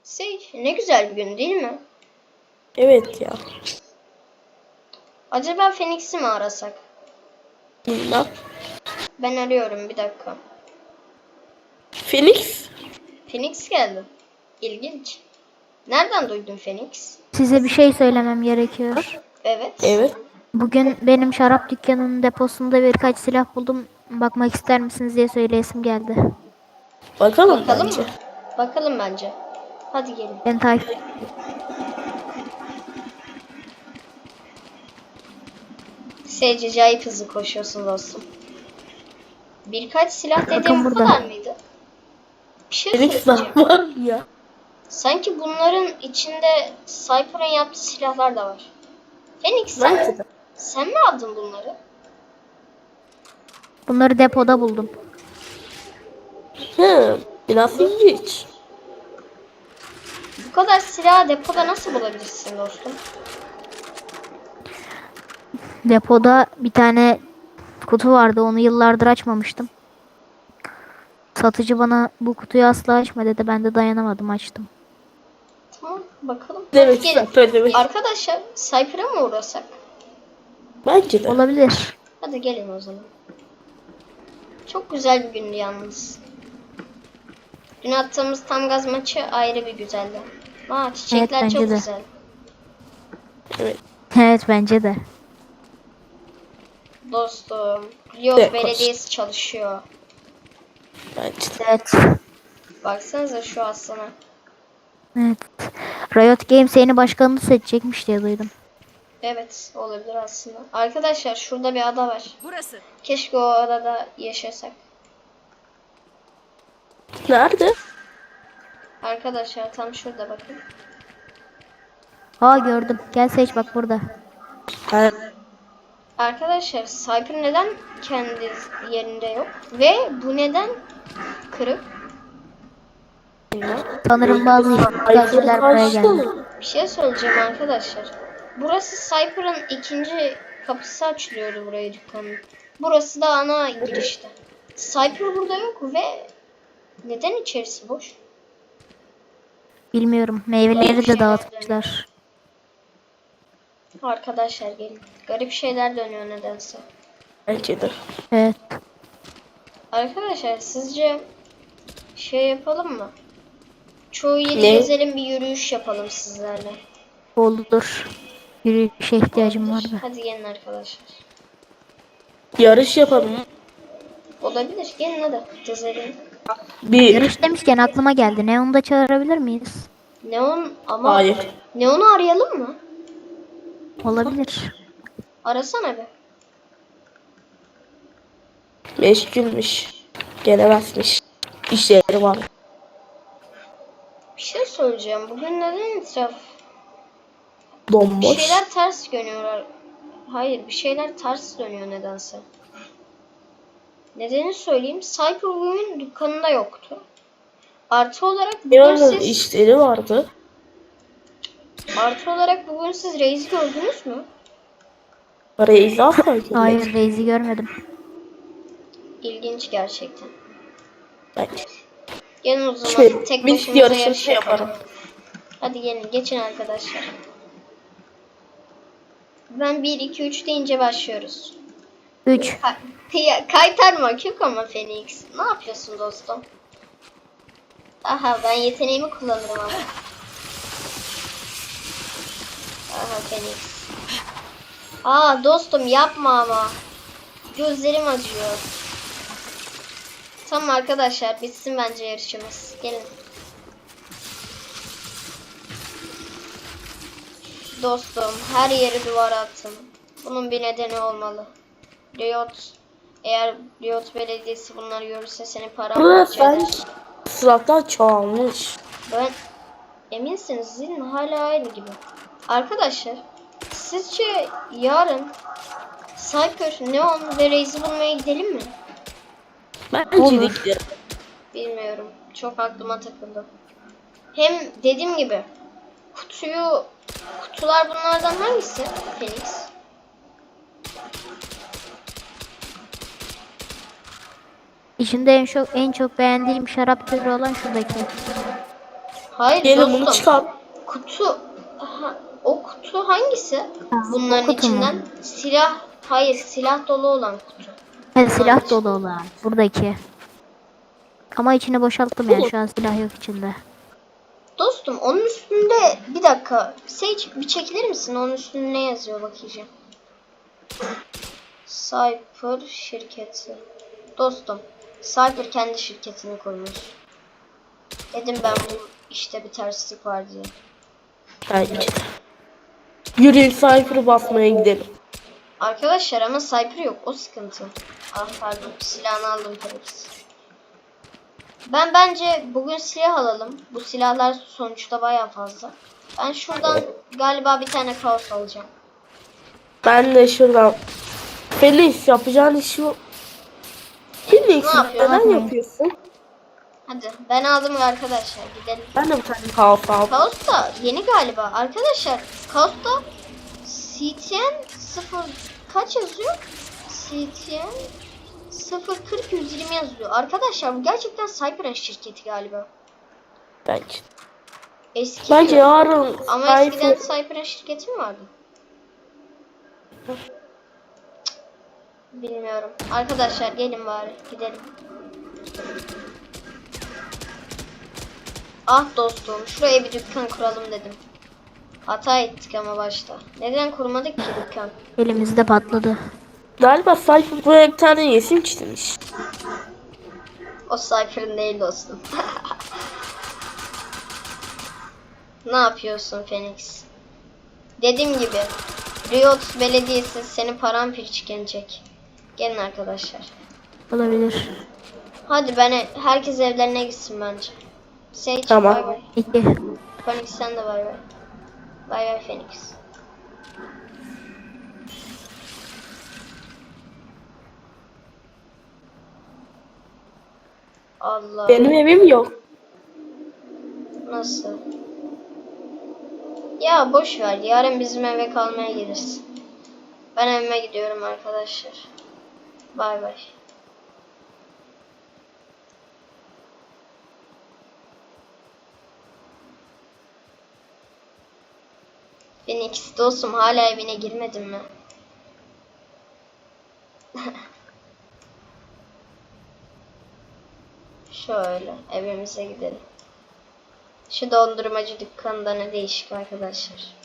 Ne güzel bir gün değil mi? Evet ya. Acaba Phoenix'i mi arasak? Bilmem. Ben arıyorum, bir dakika. Phoenix? Phoenix geldi. İlginç. Nereden duydun Phoenix? Size bir şey söylemem gerekiyor. Evet. Evet. Bugün benim şarap dükkanının deposunda birkaç silah buldum. Bakmak ister misiniz diye söyleyesim geldi. Bakalım Bakalım bence. mı? Bakalım bence. Hadi gelin. Ben takip Sage acayip hızlı koşuyorsun dostum. Birkaç silah dediğim Bakın bu burada. kadar mıydı? Bir şey Phoenix söyleyeceğim. daha var mı ya? Sanki bunların içinde Cypher'ın yaptığı silahlar da var. Phoenix Bence de. sen mi aldın bunları? Bunları depoda buldum. Biraz ilginç. Bu kadar silahı depoda nasıl bulabilirsin dostum? Depoda bir tane kutu vardı. Onu yıllardır açmamıştım. Satıcı bana bu kutuyu asla açma dedi. Ben de dayanamadım, açtım. Tamam, bakalım. Hadi Demek gelin. söylemek. Arkadaşlar Cypher'a mı uğrasak? Bence de. Olabilir. Hadi gelin o zaman. Çok güzel bir gündü yalnız. Dün attığımız tam gaz maçı ayrı bir güzeldi. Çiçekler bence çok de. güzel. Evet. Evet, bence de. Dostum, Riot Evet, Belediyesi çalışıyor. Bence de. Evet. Baksanıza şu aslana. Evet. Riot Games yeni başkanını seçecekmiş diye duydum. Evet, olabilir aslında. Arkadaşlar şurada bir ada var. Burası. Keşke o adada yaşasak. Nerede? Arkadaşlar tam şurada bakın. Aa, gördüm. Gel seç, bak burada. Ha, Arkadaşlar Cypher neden kendi yerinde yok? Ve bu neden kırık? Sanırım bazı işgalciler buraya geldi. Bir şey söyleyeceğim arkadaşlar. Burası Cypher'ın ikinci kapısı açılıyordu buraya dükkanın. Burası da ana girişte. Cypher burada yok ve neden içerisi boş? Bilmiyorum. Meyveleri de dağıtmışlar. Arkadaşlar gelin. Garip şeyler dönüyor nedense. Bence de. Evet. Arkadaşlar sizce şey yapalım mı? Çoğu yeri Ne? gezelim, bir yürüyüş yapalım sizlerle. Olur. Yürüyüşe ihtiyacım var da. Hadi gelin arkadaşlar. Yarış yapalım. Olabilir. Gelin hadi. Gezelim. Bir. Yarış demişken aklıma geldi. Neon'u da çağırabilir miyiz? Neon ama Hayır. Neon'u arayalım mı? Olabilir. Arasana be. Meşgulmüş. Gelemezmiş. İşleri var. Bir şey söyleyeceğim. Bugün neden etraf? Bir Bomboş. şeyler ters dönüyor. Hayır, bir şeyler ters dönüyor nedense. Nedeni söyleyeyim. Cypher bugün dükkanında yoktu. Artı olarak bugün Yarın siz işleri vardı. Reis'i gördünüz mü? Parayı izah koydum. Hayır, Reis'i görmedim. İlginç gerçekten. Bence. Gelin o zaman Şey, tek biz başımıza yarışını yarış yapalım. yaparım. Hadi gelin, geçin arkadaşlar. Ben 1, 2, 3 deyince başlıyoruz. 3. Kaytarma kök ama Phoenix. Ne yapıyorsun dostum? Aha, ben yeteneğimi kullanırım ama. Aha Phoenix. Aa dostum, yapma ama. Gözlerim acıyor. Tamam arkadaşlar, bitsin bence yarışımız. Gelin. Dostum, her yeri duvara attım. Bunun bir nedeni olmalı. Eğer Riot Belediyesi bunları görürse seni Burası paramparça eder. silahlar çoğalmış. Ben eminsiniz değil mi? Hala aynı gibi. Arkadaşlar, sizce yarın Cypher, Neon ve Reis'i bulmaya gidelim mi? Bence de Olur. gidelim. Bilmiyorum. Çok aklıma takıldı. Hem dediğim gibi kutular bunlardan hangisi? Phoenix. İçinde en çok beğendiğim şarap türü olan şuradaki. Hayır Gelin dostum. bunu çıkar. Kutu. O kutu hangisi? Bunların o kutu mu? içinden silah. Hayır, silah dolu olan kutu. Evet, silah içi- dolu olan. Buradaki. Ama içini boşalttım yani. Şu an silah yok içinde. Dostum onun üstünde bir dakika. Sage bir çekilir misin? Onun üstünde ne yazıyor bakacağım. Cypher şirketi. Dostum, Cypher kendi şirketini kurmuş. Dedim ben bu işte bir terslik var diye. Bence de. Yürüyün Cypher'ı basmaya gidelim. Arkadaşlar ama Cypher yok. O sıkıntı. Ah pardon. Silahını aldım tabii ki. Ben bence bugün silah alalım. Bu silahlar sonuçta baya fazla. Ben şuradan galiba bir tane kaos alacağım. Ben de şuradan. Feliz yapacağın işi yok. Feliz Ne yapıyorsun? neden yapıyorsun? Hadi ben aldım arkadaşlar. Gidelim. Ben de bir tane kaos aldım. Kaos da yeni galiba. Arkadaşlar Kaos da CTN 0 kaç yazıyor? CTN 040 120 yazıyor. Arkadaşlar bu gerçekten Cyber'ın şirketi galiba. Bence. Eski Bence diyor. yarın Ama eskiden Cypher... Cyber'ın şirketi mi vardı? Cık, bilmiyorum. Arkadaşlar gelin bari gidelim. Ah dostum şuraya bir dükkan kuralım dedim. Hata ettik ama başta. Neden kurmadık ki dükkan? Elimizde patladı. Galiba Cypher buraya bir tane resim çizmiş. O Cypher'ın değil dostum. Ne yapıyorsun Phoenix? Dediğim gibi Riot Belediyesi seni paramparça edecek. Gelin arkadaşlar. Olabilir. Hadi herkes evlerine gitsin bence. Sage Tamam. bay bay. İki. Phoenix sen de bay bay. Bay bay Phoenix. Allah. Benim evim yok. Nasıl? Ya boş ver. Yarın bizim eve kalmaya gelirsin. Ben evime gidiyorum arkadaşlar. Bay bay. Phoenix dostum hala evine girmedin mi? Şöyle evimize gidelim. Şu dondurmacı dükkanında ne değişik arkadaşlar.